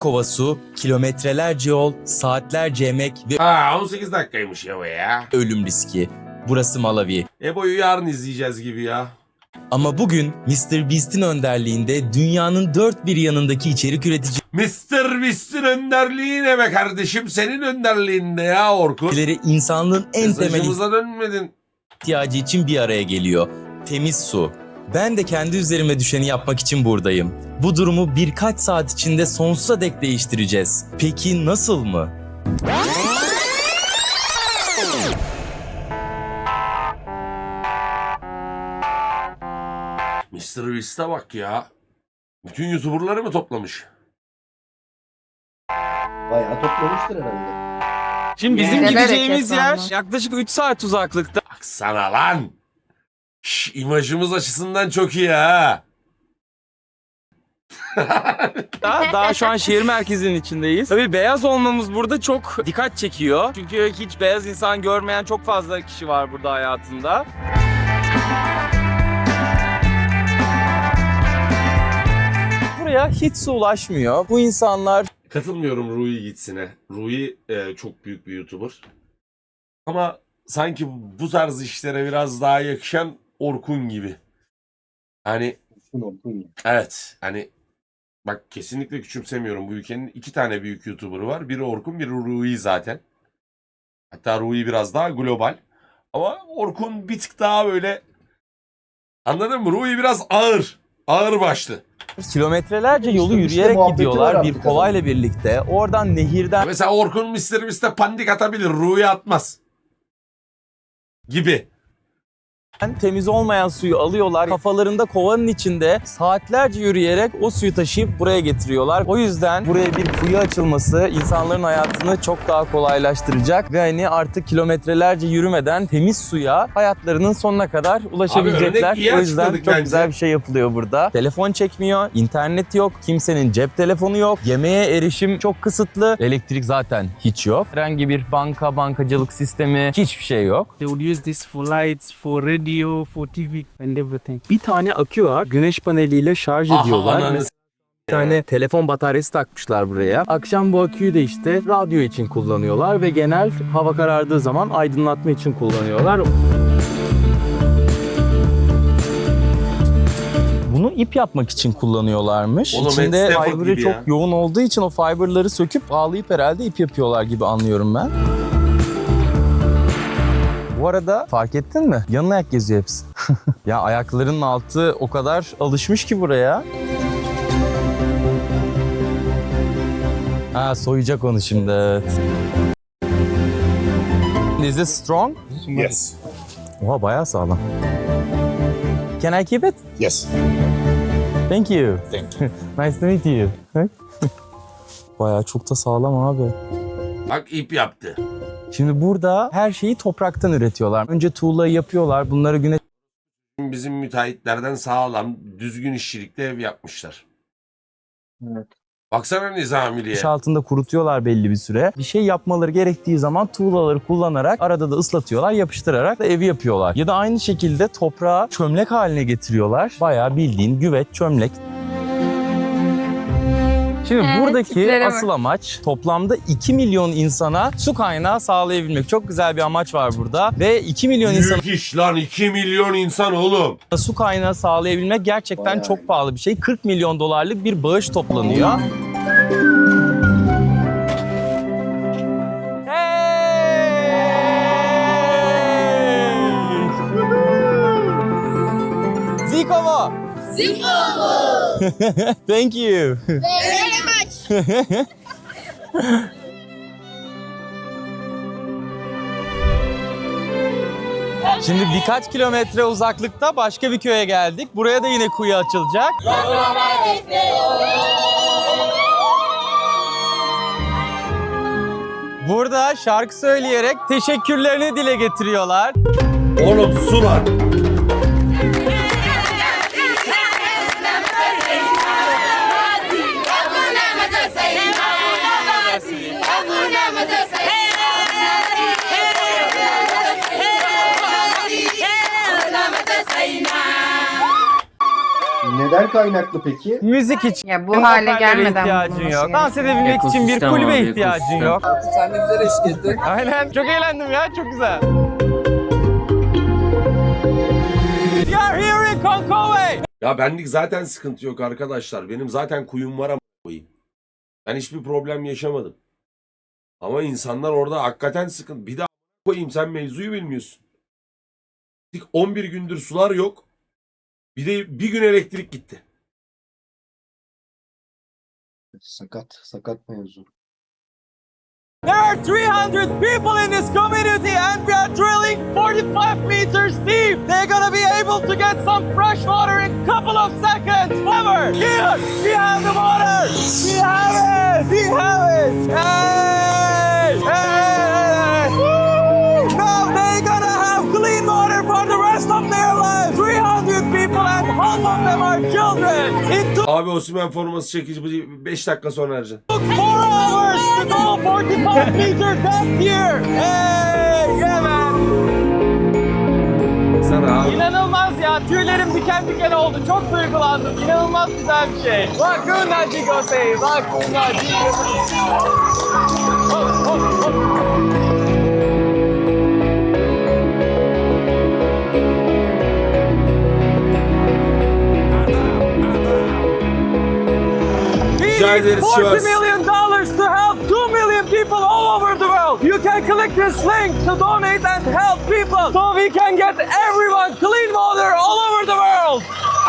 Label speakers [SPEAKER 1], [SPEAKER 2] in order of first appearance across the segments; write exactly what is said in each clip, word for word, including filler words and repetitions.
[SPEAKER 1] kova su, kilometrelerce yol, saatlerce emek ve
[SPEAKER 2] Ha on sekiz dakikaymış ya bu ya.
[SPEAKER 1] ölüm riski. Burası Malawi.
[SPEAKER 2] Ebo'yu yarın izleyeceğiz gibi ya.
[SPEAKER 1] Ama bugün mister Beast'in önderliğinde dünyanın dört bir yanındaki içerik
[SPEAKER 2] mister Beast'in önderliği ne be kardeşim? Senin önderliğinde ya Orkun.
[SPEAKER 1] üreticileri insanlığın en temel
[SPEAKER 2] Mesajımıza dönmedin.
[SPEAKER 1] ihtiyacı için bir araya geliyor. Temiz su. Ben de kendi üzerime düşeni yapmak için buradayım. Bu durumu birkaç saat içinde sonsuza dek değiştireceğiz. Peki nasıl mı?
[SPEAKER 2] mister Beast'e bak ya. Bütün YouTuber'ları mı toplamış?
[SPEAKER 3] Bayağı toplamıştır herhalde.
[SPEAKER 4] Şimdi bizim
[SPEAKER 5] Neler
[SPEAKER 4] gideceğimiz yer
[SPEAKER 5] hareketlenme.
[SPEAKER 4] yaklaşık üç saat uzaklıkta.
[SPEAKER 2] Baksana lan. Şş, imajımız açısından çok iyi ha.
[SPEAKER 4] Daha şu an şehir merkezinin içindeyiz. Tabii beyaz olmamız burada çok dikkat çekiyor. Çünkü hiç beyaz insan görmeyen çok fazla kişi var burada hayatında. Buraya hiç su ulaşmıyor. Bu insanlar
[SPEAKER 2] Katılmıyorum Rui gitsine. Rui e, çok büyük bir YouTuber. Ama sanki bu tarz işlere biraz daha yakışan Orkun gibi. Hani evet hani bak kesinlikle küçümsemiyorum bu ülkenin iki tane büyük YouTuber'ı var. Biri Orkun, biri Rui zaten. Hatta Rui biraz daha global. Ama Orkun bir tık daha böyle anladın mı? Rui biraz ağır. Ağır başlı.
[SPEAKER 1] kilometrelerce yolu
[SPEAKER 3] İşte- işte
[SPEAKER 1] yürüyerek
[SPEAKER 3] muhabbeti var
[SPEAKER 1] gidiyorlar
[SPEAKER 3] artık
[SPEAKER 1] bir kovayla birlikte. Oradan nehirden
[SPEAKER 2] Mesela Orkun mister Beast'e pandik atabilir. Rui atmaz. Gibi.
[SPEAKER 1] temiz olmayan suyu alıyorlar. Kafalarında kovanın içinde saatlerce yürüyerek o suyu taşıyıp buraya getiriyorlar. O yüzden buraya bir kuyu açılması insanların hayatını çok daha kolaylaştıracak ve hani artık kilometrelerce yürümeden temiz suya hayatlarının sonuna kadar ulaşabilecekler.
[SPEAKER 2] örnek iyi
[SPEAKER 1] O yüzden
[SPEAKER 2] açıkladık
[SPEAKER 1] çok
[SPEAKER 2] bence.
[SPEAKER 1] güzel bir şey yapılıyor burada. Telefon çekmiyor, internet yok, kimsenin cep telefonu yok, yemeğe erişim çok kısıtlı, elektrik zaten hiç yok. Herhangi bir banka, bankacılık sistemi hiçbir şey yok.
[SPEAKER 6] They would use this for lights, for radio, for T V and everything.
[SPEAKER 4] Bir tane akü var. Güneş paneliyle şarj
[SPEAKER 2] Aha,
[SPEAKER 4] ediyorlar.
[SPEAKER 2] ananı
[SPEAKER 4] Mesela bir tane telefon bataryası takmışlar buraya. Akşam bu aküyü de işte radyo için kullanıyorlar ve genel hava karardığı zaman aydınlatma için kullanıyorlar.
[SPEAKER 1] Bunu ip yapmak için kullanıyorlarmış.
[SPEAKER 2] Oğlum,
[SPEAKER 1] İçinde
[SPEAKER 2] Ed Stafford
[SPEAKER 1] fiber'ı
[SPEAKER 2] gibi
[SPEAKER 1] çok
[SPEAKER 2] ya.
[SPEAKER 1] yoğun olduğu için o fiber'ları söküp bağlayıp herhalde ip yapıyorlar gibi anlıyorum ben. Bu arada fark ettin mi? Yanına ayak geziyor hepsi. Ya ayaklarının altı o kadar alışmış ki buraya. Ha soyacak onu şimdi evet. Is it strong?
[SPEAKER 7] Yes.
[SPEAKER 1] Oha bayağı sağlam. Can I keep it?
[SPEAKER 7] Yes.
[SPEAKER 1] Thank you.
[SPEAKER 7] Thank you.
[SPEAKER 1] Nice to meet you. Bayağı çok da sağlam abi.
[SPEAKER 2] Bak ip yaptı.
[SPEAKER 1] Şimdi burada her şeyi topraktan üretiyorlar. Önce tuğlayı yapıyorlar. Bunları güneş
[SPEAKER 2] Bizim müteahhitlerden sağlam, düzgün işçilikte ev yapmışlar.
[SPEAKER 3] Evet.
[SPEAKER 2] Baksana Nizamili'ye.
[SPEAKER 1] altında kurutuyorlar belli bir süre. Bir şey yapmaları gerektiği zaman tuğlaları kullanarak arada da ıslatıyorlar, yapıştırarak da evi yapıyorlar. Ya da aynı şekilde toprağı çömlek haline getiriyorlar. Bayağı bildiğin güveç, çömlek. Şimdi
[SPEAKER 5] Evet,
[SPEAKER 1] buradaki
[SPEAKER 5] tiplere bak.
[SPEAKER 1] asıl amaç toplamda iki milyon insana su kaynağı sağlayabilmek. Çok güzel bir amaç var burada ve iki milyon insana
[SPEAKER 2] Büyük iş lan iki milyon insan oğlum.
[SPEAKER 1] su kaynağı sağlayabilmek gerçekten
[SPEAKER 3] Bayağı
[SPEAKER 1] çok
[SPEAKER 3] iyi.
[SPEAKER 1] pahalı bir şey. kırk milyon dolarlık bir bağış toplanıyor. Zico mu? Zico mu? Thank you.
[SPEAKER 5] Very much.
[SPEAKER 1] Şimdi birkaç kilometre uzaklıkta başka bir köye geldik. Buraya da yine kuyu açılacak. Burada şarkı söyleyerek teşekkürlerini dile getiriyorlar.
[SPEAKER 2] Oğlum su lan.
[SPEAKER 3] Neden kaynaklı peki?
[SPEAKER 1] Müzik için.
[SPEAKER 5] Ya bu hale
[SPEAKER 1] hoparlöre
[SPEAKER 5] gelmeden
[SPEAKER 1] ihtiyacın
[SPEAKER 5] bulunması
[SPEAKER 1] yok. Dans
[SPEAKER 5] gerekiyor.
[SPEAKER 1] edebilmek için bir
[SPEAKER 7] Ekosistem
[SPEAKER 1] kulübe
[SPEAKER 7] abi,
[SPEAKER 1] ihtiyacın
[SPEAKER 7] ekosistem.
[SPEAKER 1] yok.
[SPEAKER 8] Sen de güzel eşlik ettin.
[SPEAKER 1] Aynen. Çok eğlendim ya. Çok güzel. We are here in Konkowe.
[SPEAKER 2] Ya benlik zaten sıkıntı yok arkadaşlar. Benim zaten kuyum var ama koyayım. Ben hiçbir problem yaşamadım. Ama insanlar orada hakikaten sıkıntı. Bir daha koyayım, sen mevzuyu bilmiyorsun. on bir gündür sular yok. Bir de bir gün elektrik gitti.
[SPEAKER 3] Sakat, sakat mevzu.
[SPEAKER 1] There are three hundred people in this community and we are drilling forty-five meters deep. They're gonna be able to get some fresh water in a couple of seconds. However, here we have the water. We have it. We have it. Hey! Hey! Woo! Now they're gonna have clean water for the rest of their lives. three hundred people and half of them are children. It took
[SPEAKER 2] Abi Osimhen forması çekici beş dakika sonra Ercan.
[SPEAKER 1] four hours to go forty-five meters depth here. Hey, yeah man.
[SPEAKER 2] Sana abi.
[SPEAKER 1] İnanılmaz ya. Tüylerim diken diken oldu. Çok duygulandım. İnanılmaz güzel bir şey. Laguna Jigosei. Laguna Jigosei. Hop, hop, hop.
[SPEAKER 2] Rica ederiz
[SPEAKER 1] forty
[SPEAKER 2] Sivas.
[SPEAKER 1] million dollars to help two million people all over the world. You can click this link to donate and help people so we can get everyone clean water all over the world.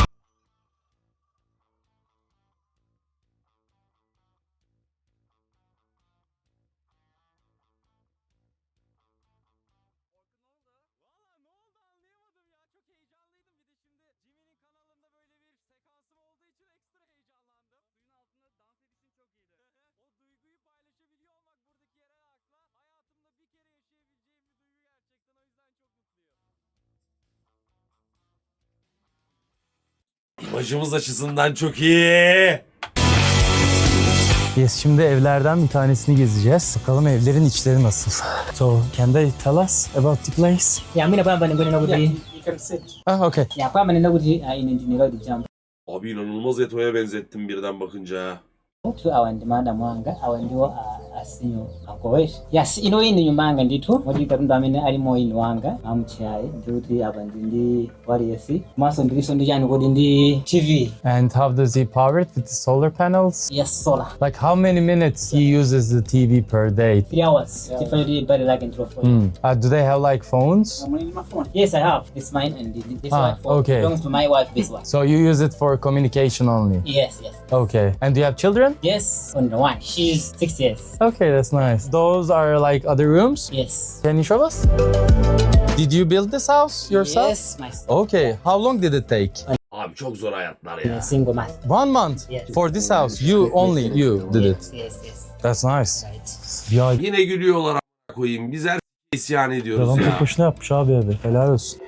[SPEAKER 2] İmajımız açısından çok iyi.
[SPEAKER 1] Yes, şimdi evlerden bir tanesini gezeceğiz. Bakalım evlerin içleri nasıl. So, can they tell us about the place?
[SPEAKER 9] Yeah, mimi nakwamba ningone nakuthi
[SPEAKER 8] You can sit.
[SPEAKER 1] Ah, okay.
[SPEAKER 9] yeah kwamba ninakuthi uh, inenjinira the jump
[SPEAKER 2] Abi inanılmaz Eto'ya benzettim birden bakınca.
[SPEAKER 9] to awandimanda mwanga awandiwo uh, asinyo akowesh yes ino ino nyumbanga ndithu moti katundu amene alimo ino wanga amuchayi ndikuti apa ndi wariyesi maso ndiliso ndi chani kodi ndi T V.
[SPEAKER 1] And how does he power it with the solar panels?
[SPEAKER 9] Yes, solar.
[SPEAKER 1] Like how many minutes he uses the T V per day?
[SPEAKER 9] Three hours differently better like in for
[SPEAKER 1] Hmm. Uh, do they have like phones?
[SPEAKER 9] yes I have it's mine and this
[SPEAKER 1] Ah,
[SPEAKER 9] one for
[SPEAKER 1] okay.
[SPEAKER 9] belongs to my wife this one.
[SPEAKER 1] So you use it for communication only?
[SPEAKER 9] Yes, yes,
[SPEAKER 1] Okay. And do you have children?
[SPEAKER 9] yes, on the one she's six years.
[SPEAKER 1] Okay, that's nice. Those are like other rooms?
[SPEAKER 9] Yes.
[SPEAKER 1] Can you show us? Did you build this house yourself?
[SPEAKER 9] Yes, my
[SPEAKER 1] Okay. How long did it take?
[SPEAKER 2] Abi çok zor hayatlar
[SPEAKER 9] in
[SPEAKER 2] ya.
[SPEAKER 9] a single month.
[SPEAKER 1] One month?
[SPEAKER 9] Yes.
[SPEAKER 1] For this house? You, only you did it?
[SPEAKER 9] Yes, yes.
[SPEAKER 1] That's nice.
[SPEAKER 9] Right.
[SPEAKER 1] Ya
[SPEAKER 2] Yine gülüyorlar a**a koyayım. Biz her isyan ediyoruz
[SPEAKER 1] adam
[SPEAKER 2] ya.
[SPEAKER 1] tek başına yapmış abi evi. Helal olsun.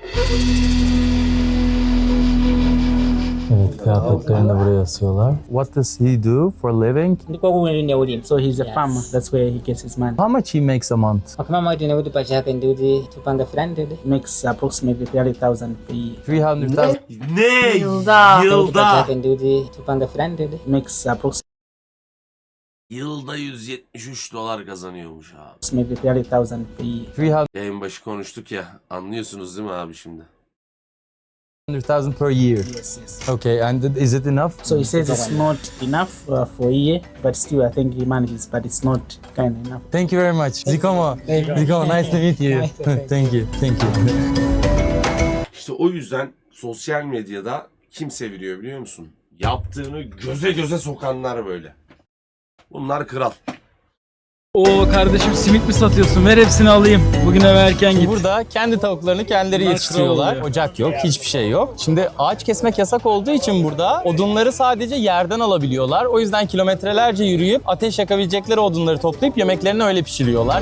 [SPEAKER 1] Evet, kıyafetlerini de buraya asıyorlar. What does he do for living?
[SPEAKER 9] Ndiko kuwene ulimi.
[SPEAKER 6] So he's a
[SPEAKER 9] Yes.
[SPEAKER 6] farmer. That's where he gets his money.
[SPEAKER 1] How much he makes a month?
[SPEAKER 9] Akamama kuti nekuti pachake ndikuti tupanga firandede.
[SPEAKER 6] He makes approximately thirty thousand per year.
[SPEAKER 1] three hundred thousand.
[SPEAKER 2] Ne?
[SPEAKER 5] Yılda.
[SPEAKER 2] Yılda.
[SPEAKER 9] Pachake ndikuti tupanga firandede.
[SPEAKER 6] He makes approximately
[SPEAKER 2] Yılda yüz yetmiş üç dolar kazanıyormuş abi.
[SPEAKER 6] maybe thirty thousand per year.
[SPEAKER 1] three
[SPEAKER 2] Yayın başı konuştuk ya. Anlıyorsunuz değil mi abi şimdi?
[SPEAKER 1] hundred thousand per year.
[SPEAKER 6] Yes, yes.
[SPEAKER 1] Okay, and is it enough?
[SPEAKER 6] So he says it's not enough uh, for a year, but still I think he manages, but it's not kind of enough.
[SPEAKER 1] Thank you very much. Zikomo. Zikomo, nice to meet you.
[SPEAKER 9] Nice to meet you.
[SPEAKER 1] Thank you. Thank you.
[SPEAKER 2] İşte o yüzden sosyal medyada kim seviliyor biliyor musun? Yaptığını göze göze sokanlar böyle. Bunlar kral.
[SPEAKER 7] Oo kardeşim simit mi satıyorsun? Ver hepsini alayım. Bugün eve erken git.
[SPEAKER 1] Burada kendi tavuklarını kendileri
[SPEAKER 7] Bunlar
[SPEAKER 1] yetiştiriyorlar.
[SPEAKER 7] kral oluyor.
[SPEAKER 1] Ocak yok, hiçbir şey yok. Şimdi ağaç kesmek yasak olduğu için burada odunları sadece yerden alabiliyorlar. O yüzden kilometrelerce yürüyüp ateş yakabilecekleri odunları toplayıp yemeklerini öyle pişiriyorlar.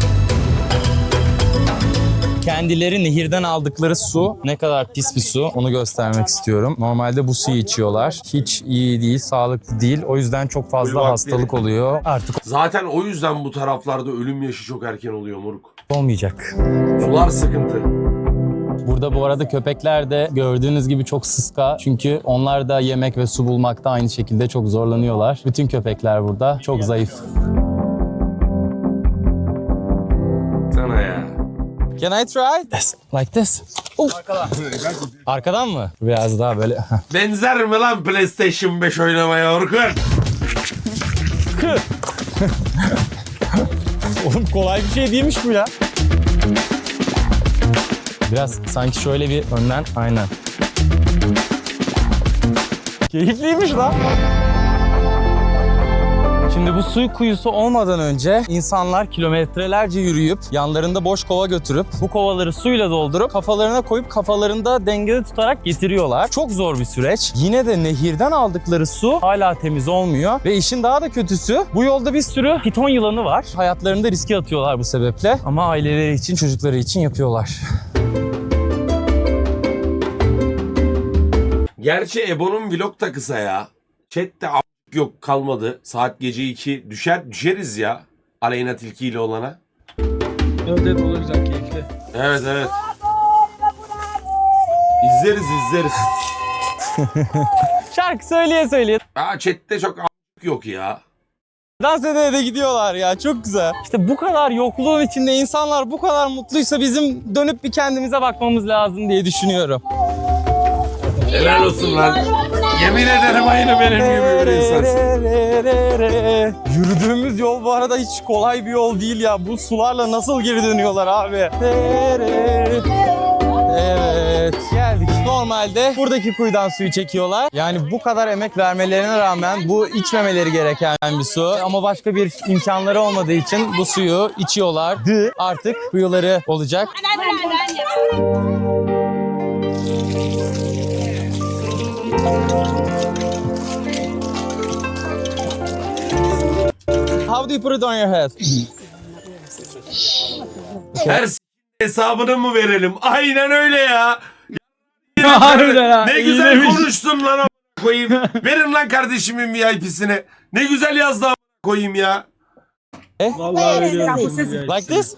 [SPEAKER 1] Kendileri nehirden aldıkları su ne kadar pis bir su onu göstermek istiyorum. Normalde bu suyu içiyorlar. Hiç iyi değil, sağlıklı değil. O yüzden çok fazla
[SPEAKER 2] Buyur bak,
[SPEAKER 1] hastalık
[SPEAKER 2] biri.
[SPEAKER 1] oluyor. Artık
[SPEAKER 2] Zaten o yüzden bu taraflarda ölüm yaşı çok erken oluyor moruk.
[SPEAKER 1] olmayacak.
[SPEAKER 2] Sular sıkıntı.
[SPEAKER 1] Burada bu arada köpekler de gördüğünüz gibi çok sıska. Çünkü onlar da yemek ve su bulmakta aynı şekilde çok zorlanıyorlar. Bütün köpekler burada çok zayıf.
[SPEAKER 2] Sana ya.
[SPEAKER 1] Can I try? Yes, like this. Oh. Arkadan mı? Biraz daha böyle.
[SPEAKER 2] Benzer mi lan PlayStation beş oynamaya Orkun?
[SPEAKER 1] Oğlum kolay bir şey değilmiş bu ya. Biraz sanki şöyle bir önden, aynen. Keyifliymiş lan. Şimdi bu su kuyusu olmadan önce insanlar kilometrelerce yürüyüp yanlarında boş kova götürüp bu kovaları suyla doldurup kafalarına koyup kafalarında dengede tutarak getiriyorlar. Çok zor bir süreç. Yine de nehirden aldıkları su hala temiz olmuyor ve işin daha da kötüsü bu yolda bir sürü piton yılanı var. Hayatlarını da riske atıyorlar bu sebeple ama aileleri için, çocukları için yapıyorlar.
[SPEAKER 2] Gerçi Ebo'nun vlog da kısa ya. Chat'te a- yok kalmadı. Saat gece iki. Düşer düşeriz ya. Aleyna Tilki ile olana.
[SPEAKER 7] Evet evet olur güzel keyifli.
[SPEAKER 2] Evet evet. İzleriz izleriz.
[SPEAKER 1] Şarkı söyleye söyleye
[SPEAKER 2] Aa chat'te çok a- yok ya.
[SPEAKER 1] dans ede de gidiyorlar ya, çok güzel. İşte bu kadar yokluğun içinde insanlar bu kadar mutluysa bizim dönüp bir kendimize bakmamız lazım diye düşünüyorum.
[SPEAKER 2] Helal olsun lan. Yemin ederim aynı benim gibi bir insansın.
[SPEAKER 1] Yürüdüğümüz yol bu arada hiç kolay bir yol değil ya. Bu sularla nasıl geri dönüyorlar abi? Evet, geldik. Normalde buradaki kuyudan suyu çekiyorlar. Yani bu kadar emek vermelerine rağmen bu içmemeleri gereken bir su. Ama başka bir imkanları olmadığı için bu suyu içiyorlardı. Artık kuyuları olacak. How do you put it on your head?
[SPEAKER 2] Her s- hesabını mı verelim? Aynen öyle ya.
[SPEAKER 7] Harbiden ha.
[SPEAKER 2] Ne güzel
[SPEAKER 7] iyiymiş.
[SPEAKER 2] konuştun lan a- koyayım. Verin lan kardeşimin V I P'sini. Ne güzel yazdı a- koyayım ya.
[SPEAKER 7] Vallahi veriyorum.
[SPEAKER 1] Like this?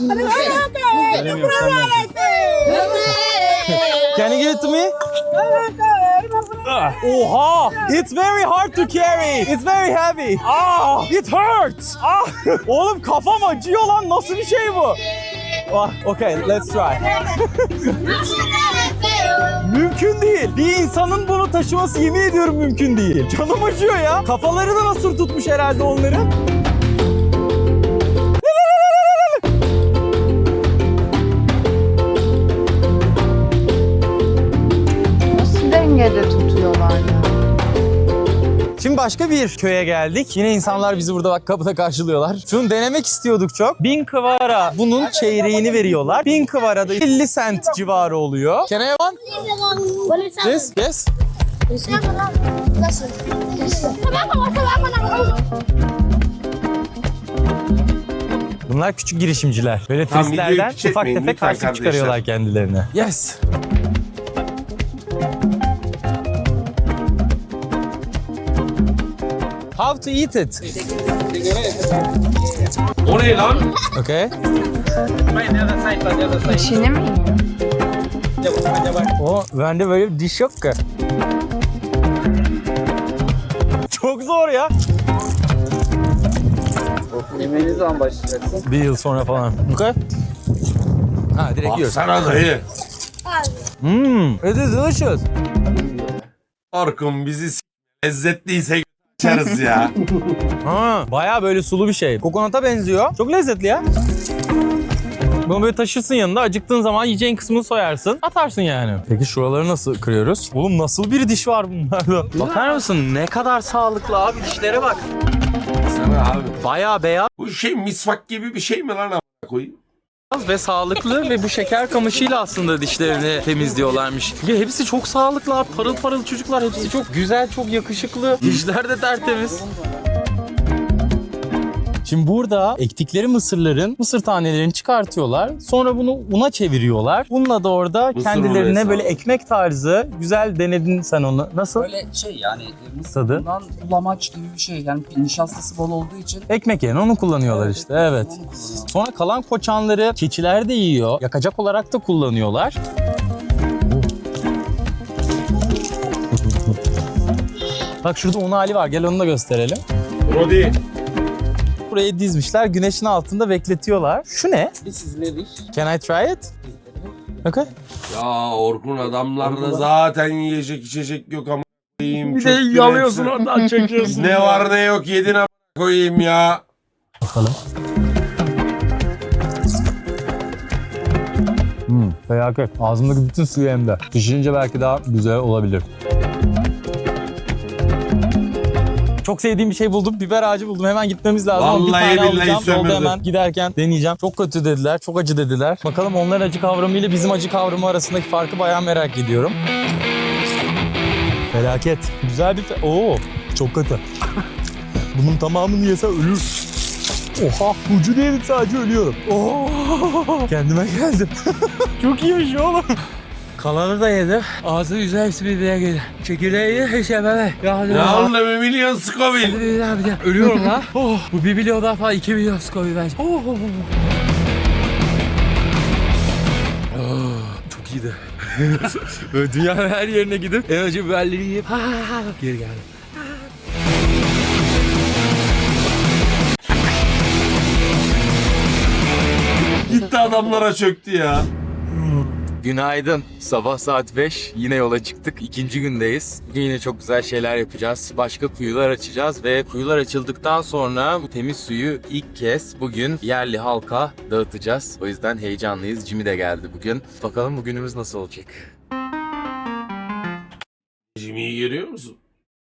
[SPEAKER 1] Can you give it to me? Ah. Oha! It's very hard to carry. It's very heavy. Ah! It hurts. Ah! Oğlum kafam acıyor lan. Nasıl bir şey bu? Ah, okay, let's try. Mümkün değil. Bir insanın bunu taşıması yemin ediyorum mümkün değil. Canım acıyor ya. Kafaları da nasıl tutmuş herhalde onların.
[SPEAKER 5] Nasıl dengede tutuyorlar ya?
[SPEAKER 1] Şimdi başka bir köye geldik. Yine insanlar bizi burada bak kapıda karşılıyorlar. Şunu denemek istiyorduk çok. Bin kıvara bunun çeyreğini veriyorlar. Bin kıvara da elli sent civarı oluyor. Can I have one? Yes, yes. Bunlar küçük girişimciler. Böyle
[SPEAKER 2] Tamam, videoyu
[SPEAKER 1] turistlerden
[SPEAKER 2] piç
[SPEAKER 1] ufak
[SPEAKER 2] etmeyin
[SPEAKER 1] tefek
[SPEAKER 2] lütfen
[SPEAKER 1] harçlık
[SPEAKER 2] kardeşler.
[SPEAKER 1] çıkarıyorlar kendilerine. Yes. How to eat it?
[SPEAKER 2] O ne lan?
[SPEAKER 1] Okay.
[SPEAKER 5] İçini mi yiyor?
[SPEAKER 1] O bende böyle bir diş yok ki. Çok zor ya.
[SPEAKER 8] Yemeğe ne zaman başlayacaksın?
[SPEAKER 1] Bir yıl sonra falan. Okay. Ha direkt yiyoruz.
[SPEAKER 2] Baksana dayı.
[SPEAKER 1] Mmm, it is delicious.
[SPEAKER 2] Orkun bizi s- lezzetliyse açarız ya.
[SPEAKER 1] Ha, bayağı böyle sulu bir şey. Kokonata benziyor. Çok lezzetli ya. Bunu böyle taşırsın yanında. Acıktığın zaman yiyeceğin kısmını soyarsın. Atarsın yani. Peki şuraları nasıl kırıyoruz? Oğlum nasıl bir diş var bunlarda? Bakar mısın? Ne kadar sağlıklı abi. Dişlere bak.
[SPEAKER 2] Sana abi.
[SPEAKER 1] Bayağı beyaz
[SPEAKER 2] Bu şey misvak gibi bir şey mi lan a- koyayım?
[SPEAKER 1] ve sağlıklı ve bu şeker kamışıyla aslında dişlerini temizliyorlarmış. Ya hepsi çok sağlıklı abi. Parıl parıl çocuklar. Hepsi çok güzel, çok yakışıklı. Dişler de tertemiz. Şimdi burada ektikleri mısırların mısır tanelerini çıkartıyorlar. Sonra bunu una çeviriyorlar. Bununla da orada
[SPEAKER 2] Mısır
[SPEAKER 1] kendilerine
[SPEAKER 2] unu
[SPEAKER 1] böyle
[SPEAKER 2] hesabı.
[SPEAKER 1] ekmek tarzı güzel denedin sen onu. Nasıl?
[SPEAKER 8] Böyle şey yani
[SPEAKER 1] Tadı?
[SPEAKER 8] mısırdan bulamaç gibi bir şey. Yani nişastası bol olduğu için.
[SPEAKER 1] Ekmek yerine onu kullanıyorlar işte. Evet.
[SPEAKER 8] Onu kullanıyor.
[SPEAKER 1] Sonra kalan koçanları keçiler de yiyor. Yakacak olarak da kullanıyorlar. Bak şurada un hali var. Gel onu da gösterelim.
[SPEAKER 2] Brody.
[SPEAKER 1] Buraya dizmişler. Güneşin altında bekletiyorlar. Şu ne?
[SPEAKER 9] This is Levish.
[SPEAKER 1] Can I try it? Okay.
[SPEAKER 2] Ya Orkun adamlarda zaten yiyecek içecek yok ama koyayım.
[SPEAKER 7] Bir de
[SPEAKER 2] çöktün
[SPEAKER 7] yalıyorsun
[SPEAKER 2] hepsi.
[SPEAKER 7] oradan çekiyorsun.
[SPEAKER 2] Ne var ne yok yedin ama koyayım ya.
[SPEAKER 1] Bakalım. Hmm, felaket. Ağzımdaki bütün suyu emdi. Pişirince belki daha güzel olabilir. Çok sevdiğim bir şey buldum. Biber ağacı buldum. Hemen gitmemiz lazım. Ama bir
[SPEAKER 2] Vallahi
[SPEAKER 1] tane
[SPEAKER 2] billahi
[SPEAKER 1] alacağım. Yolda
[SPEAKER 2] sömürdü.
[SPEAKER 1] hemen giderken deneyeceğim. Çok kötü dediler. Çok acı dediler. Bakalım onların acı kavramı ile bizim acı kavramı arasındaki farkı bayağı merak ediyorum. Felaket. Güzel bir... Fe- Oo, çok kötü. Bunun tamamını yese ölür. Oha, ucunu yedim sadece ölüyorum. Oo, kendime geldim. Çok iyiymiş oğlum.
[SPEAKER 7] Kalanı da yedi. Ağzı yüzü hepsi birbirine girdi. Çekirdeği yedi. Hiç yememe. Ya,
[SPEAKER 2] Ya oğlum bir milyon Scoville.
[SPEAKER 7] Bir daha bir daha. Ölüyorum lan. Oh, bu bir milyon daha falan iki milyon skoyu bence. Oh, oh, oh. Oh, çok iyiydi. Böyle dünyanın her yerine gidip en acı biberleri yiyip ha, ha, ha, geri geldim.
[SPEAKER 2] Gitti adamlara çöktü ya.
[SPEAKER 4] Günaydın. Sabah saat beş. Yine yola çıktık. İkinci gündeyiz. Bugün yine çok güzel şeyler yapacağız. Başka kuyular açacağız ve kuyular açıldıktan sonra bu temiz suyu ilk kez bugün yerli halka dağıtacağız. O yüzden heyecanlıyız. Jimmy de geldi bugün. Bakalım bugünümüz nasıl olacak?
[SPEAKER 2] Jimmy'yi görüyor musun?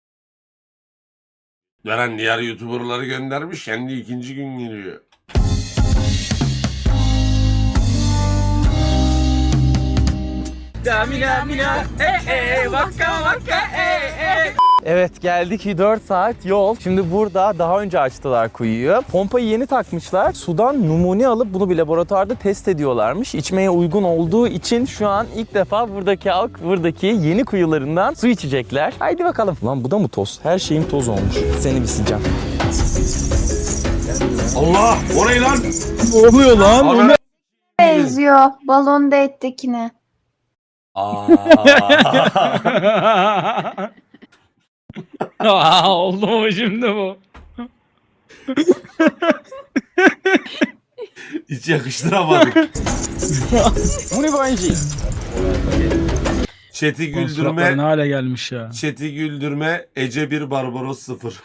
[SPEAKER 2] Veren diğer YouTuber'ları göndermiş. Kendi ikinci gün geliyor.
[SPEAKER 1] Evet, geldik. dört saat yol. Şimdi burada daha önce açtılar kuyuyu. Pompayı yeni takmışlar. Sudan numune alıp bunu bir laboratuvarda test ediyorlarmış. İçmeye uygun olduğu için şu an ilk defa buradaki halk buradaki yeni kuyularından su içecekler. Haydi bakalım. Lan bu da mı toz? Her şeyim toz olmuş. Seni bir sileceğim.
[SPEAKER 2] Allah! Orayı lan!
[SPEAKER 7] Ne oluyor lan?
[SPEAKER 2] Ana-
[SPEAKER 5] Benziyor balon date'dekine.
[SPEAKER 2] Aa.
[SPEAKER 7] Aa, oldu mu şimdi bu?
[SPEAKER 2] Hiç yakıştıramadık.
[SPEAKER 1] Bu ne bence?
[SPEAKER 2] Chat'i
[SPEAKER 7] Suratları
[SPEAKER 2] güldürme,
[SPEAKER 7] ne hale gelmiş ya.
[SPEAKER 2] chat'i güldürme, Ece bir Barbaros sıfır.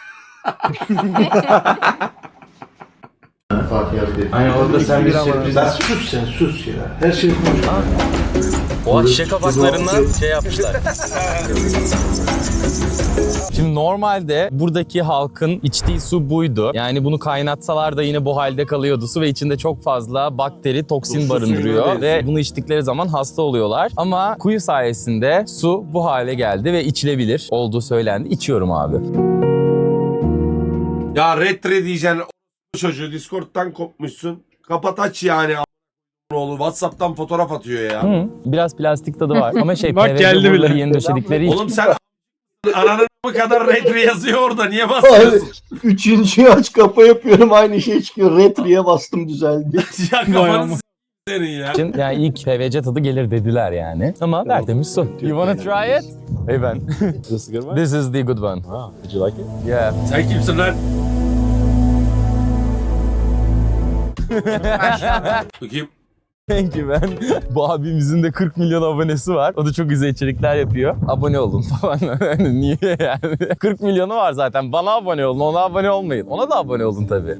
[SPEAKER 3] Aynen orada sen bir sürpriz. Sus sen sus ya. Her şey konuş.
[SPEAKER 1] O şişe kapaklarından şey yapmışlar. Şimdi normalde buradaki halkın içtiği su buydu. Yani bunu kaynatsalar da yine bu halde kalıyordu su ve içinde çok fazla bakteri, toksin
[SPEAKER 2] Su
[SPEAKER 1] barındırıyor
[SPEAKER 2] suyuna
[SPEAKER 1] ve
[SPEAKER 2] benziyor.
[SPEAKER 1] bunu içtikleri zaman hasta oluyorlar. Ama kuyu sayesinde su bu hale geldi ve içilebilir olduğu söylendi. İçiyorum abi.
[SPEAKER 2] Ya retre diyeceksin o çocuğu Discord'dan kopmuşsun. Kapat aç yani a- oğlu WhatsApp'tan fotoğraf atıyor ya.
[SPEAKER 1] Hı, biraz plastik tadı var ama şey
[SPEAKER 7] Bak
[SPEAKER 1] P V C
[SPEAKER 7] geldi
[SPEAKER 1] boruları
[SPEAKER 7] bile.
[SPEAKER 1] yeni döşedikleri için.
[SPEAKER 2] Oğlum sen ananın bu kadar retre yazıyor orada niye basıyorsun?
[SPEAKER 3] Üçüncüyü aç kapa yapıyorum aynı şey çıkıyor. Retriye bastım düzeldi.
[SPEAKER 2] ya
[SPEAKER 7] Vay
[SPEAKER 2] kafanı
[SPEAKER 7] ama.
[SPEAKER 2] s- senin ya.
[SPEAKER 1] için yani ilk P V C tadı gelir dediler yani. Ama tertemiz su. You wanna try it? Hey ben.
[SPEAKER 3] This is good one?
[SPEAKER 1] This is the good one.
[SPEAKER 3] Wow. Did you like it?
[SPEAKER 1] Yeah.
[SPEAKER 2] Sen kimsin lan? Bakayım.
[SPEAKER 1] Thank you ben. Bu abimizin de kırk milyon abonesi var. O da çok güzel içerikler yapıyor. Abone olun falan. Niye yani? kırk milyonu var zaten. Bana abone olun, ona abone olmayın. Ona da abone olun tabii.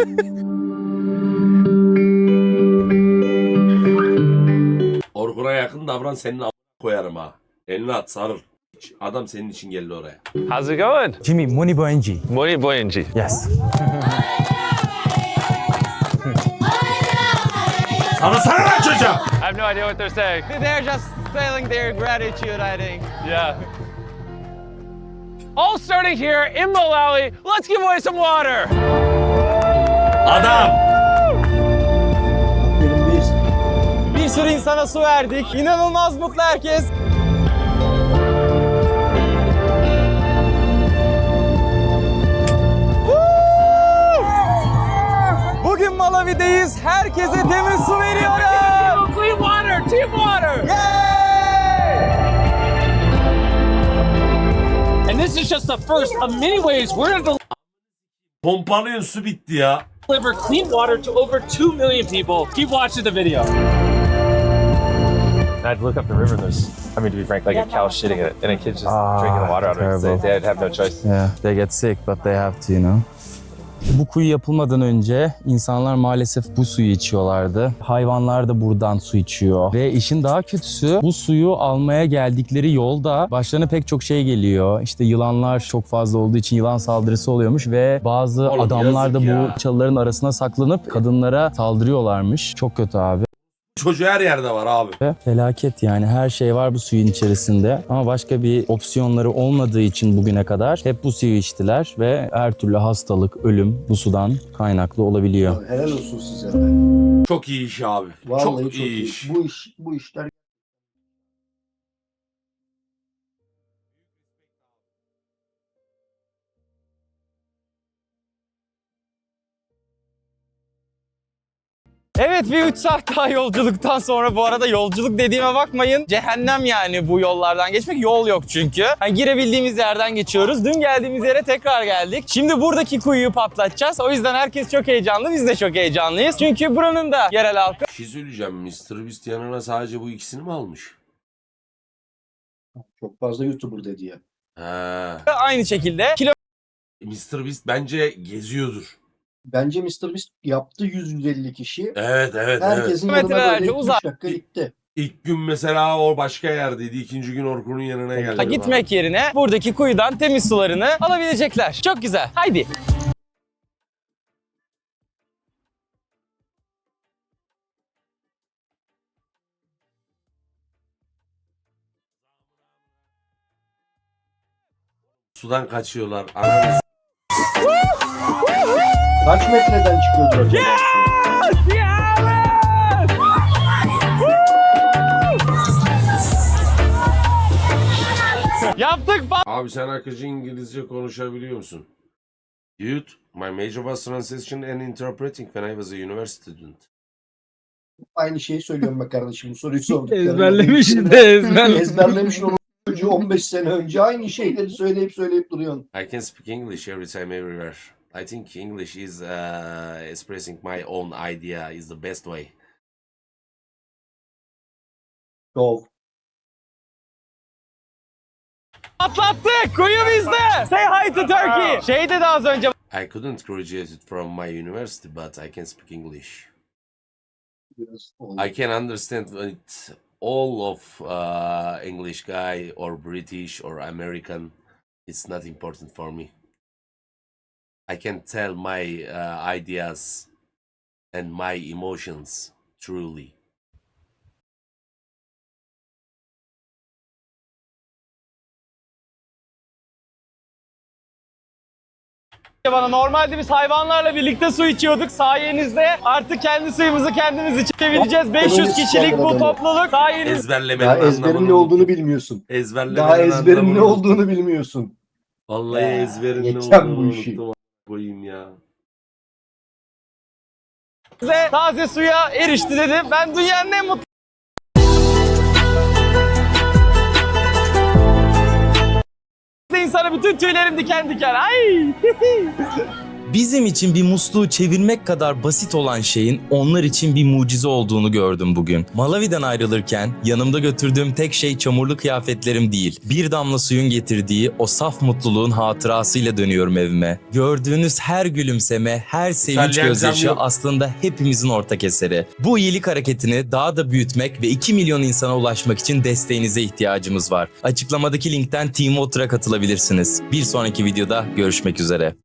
[SPEAKER 2] Orkun'a yakın davran senin a- koyarım ha. Elini at sarıl. Adam senin için geldi oraya.
[SPEAKER 10] How's it going?
[SPEAKER 1] Jimmy, Money Boyenji.
[SPEAKER 10] Money Boyenji.
[SPEAKER 1] Yes.
[SPEAKER 2] Sana sana lan çocuğa!
[SPEAKER 10] I have no idea what they're saying.
[SPEAKER 11] They're just feeling their gratitude, I think.
[SPEAKER 10] Yeah. All starting here in Malawi. Let's give away some water.
[SPEAKER 2] Adam!
[SPEAKER 1] Bir sürü insana su verdik. İnanılmaz mutlu herkes. Bugün Malawi'deyiz. Herkese temiz su veriyoruz.
[SPEAKER 10] Clean water, team water.
[SPEAKER 1] Yay!
[SPEAKER 10] And And this is just the first of many ways we're going to
[SPEAKER 2] Pompalıyın, su bitti ya.
[SPEAKER 10] deliver clean water to over two million people. Keep watching the video.
[SPEAKER 12] I'd look up the river and there's, I mean, to be frank, like a cow shitting in it, and a kid's just drinking the water out of it. They, they'd have no choice.
[SPEAKER 1] Yeah, they get sick but they have to, you know. Bu kuyu yapılmadan önce insanlar maalesef bu suyu içiyorlardı. Hayvanlar da buradan su içiyor. Ve işin daha kötüsü bu suyu almaya geldikleri yolda başlarına pek çok şey geliyor. İşte yılanlar çok fazla olduğu için yılan saldırısı oluyormuş ve bazı
[SPEAKER 2] Oğlum,
[SPEAKER 1] adamlar da
[SPEAKER 2] yazık
[SPEAKER 1] bu
[SPEAKER 2] ya.
[SPEAKER 1] çalıların arasına saklanıp kadınlara saldırıyorlarmış. Çok kötü abi.
[SPEAKER 2] Çocuğu her yerde var abi.
[SPEAKER 1] Ve felaket yani, her şey var bu suyun içerisinde ama başka bir opsiyonları olmadığı için bugüne kadar hep bu suyu içtiler ve her türlü hastalık, ölüm bu sudan kaynaklı olabiliyor.
[SPEAKER 3] Helal olsun size.
[SPEAKER 2] Çok iyi iş abi.
[SPEAKER 3] Vallahi
[SPEAKER 2] çok,
[SPEAKER 3] çok,
[SPEAKER 2] iyi
[SPEAKER 3] iyi.
[SPEAKER 2] iş.
[SPEAKER 3] Bu iş, bu işler
[SPEAKER 1] Evet, bir üç saat daha yolculuktan sonra, bu arada yolculuk dediğime bakmayın, cehennem yani bu yollardan geçmek, yol yok çünkü. Hani girebildiğimiz yerden geçiyoruz. Dün geldiğimiz yere tekrar geldik. Şimdi buradaki kuyuyu patlatacağız. O yüzden herkes çok heyecanlı, biz de çok heyecanlıyız. Çünkü buranın da yerel halkı
[SPEAKER 2] Bir şey söyleyeceğim. mister Beast yanına sadece bu ikisini mi almış?
[SPEAKER 3] çok fazla YouTuber dedi ya.
[SPEAKER 2] He.
[SPEAKER 1] aynı şekilde kilo
[SPEAKER 2] mister Beast bence geziyordur.
[SPEAKER 3] Bence mister Beast yaptı yüz yüz elli kişi.
[SPEAKER 2] Evet, evet, evet.
[SPEAKER 3] Herkesin yanına
[SPEAKER 1] Kilometrelerce
[SPEAKER 3] böyle iki
[SPEAKER 1] uzak.
[SPEAKER 3] üç dakika gitti.
[SPEAKER 2] İlk gün mesela o başka yerdeydi. İkinci gün Orkun'un yanına geldi.
[SPEAKER 1] Ha, gitmek yerine buradaki kuyudan temiz sularını alabilecekler. Çok güzel. Haydi.
[SPEAKER 2] Sudan kaçıyorlar. Ananı
[SPEAKER 3] Kaç metreden çıkıyordu acaba su?
[SPEAKER 1] Yaptık.
[SPEAKER 2] Abi sen akıcı İngilizce konuşabiliyor musun? Dude, my major was translation and interpreting when I was a university student.
[SPEAKER 3] Aynı şeyi söylüyorum be kardeşim. Bu soruyu sorduk.
[SPEAKER 6] Ezberlemiş de ezberlemiş.
[SPEAKER 3] Ezberlemiş onu çocuğu on beş sene önce aynı şeyleri söyleyip söyleyip duruyorsun.
[SPEAKER 2] I can speak English every time, everywhere. I think English is uh, expressing my own idea is the best way.
[SPEAKER 3] Go.
[SPEAKER 1] Atlattık. Kuyu bizde. Say hi to Turkey. Şey dedi az önce.
[SPEAKER 2] I couldn't graduate from my university, but I can speak English. I can understand it, all of uh, English guy or British or American. It's not important for me. I can tell my uh, ideas and my emotions truly.
[SPEAKER 1] Bana normalde biz hayvanlarla birlikte su içiyorduk. Sayenizde artık kendi suyumuzu kendimiz içebileceğiz. beş yüz kişilik bu topluluk sayenizde.
[SPEAKER 2] Ezberlemenin
[SPEAKER 3] Daha ezberin
[SPEAKER 2] anlamını
[SPEAKER 3] ne olduğunu
[SPEAKER 2] unuttum.
[SPEAKER 3] bilmiyorsun.
[SPEAKER 2] Ezberlemenin
[SPEAKER 3] Daha ezberin
[SPEAKER 2] anlamını
[SPEAKER 3] ne
[SPEAKER 2] unuttum.
[SPEAKER 3] olduğunu bilmiyorsun.
[SPEAKER 2] Vallahi
[SPEAKER 3] Ya,
[SPEAKER 2] ezberin ne
[SPEAKER 3] geçeceğim
[SPEAKER 2] olduğunu
[SPEAKER 3] bu işi.
[SPEAKER 2] unuttum. Koyayım ya.
[SPEAKER 1] Taze suya erişti dedim. Ben dünyanın en mutlu insana, bütün tüylerim diken diken. Ay! Bizim için bir musluğu çevirmek kadar basit olan şeyin onlar için bir mucize olduğunu gördüm bugün. Malawi'den ayrılırken yanımda götürdüğüm tek şey çamurlu kıyafetlerim değil. Bir damla suyun getirdiği o saf mutluluğun hatırasıyla dönüyorum evime. Gördüğünüz her gülümseme, her sevinç
[SPEAKER 2] İtalyan
[SPEAKER 1] gözyaşı
[SPEAKER 2] cam yok.
[SPEAKER 1] aslında hepimizin ortak eseri. Bu iyilik hareketini daha da büyütmek ve iki milyon insana ulaşmak için desteğinize ihtiyacımız var. Açıklamadaki linkten Team Water'a katılabilirsiniz. Bir sonraki videoda görüşmek üzere.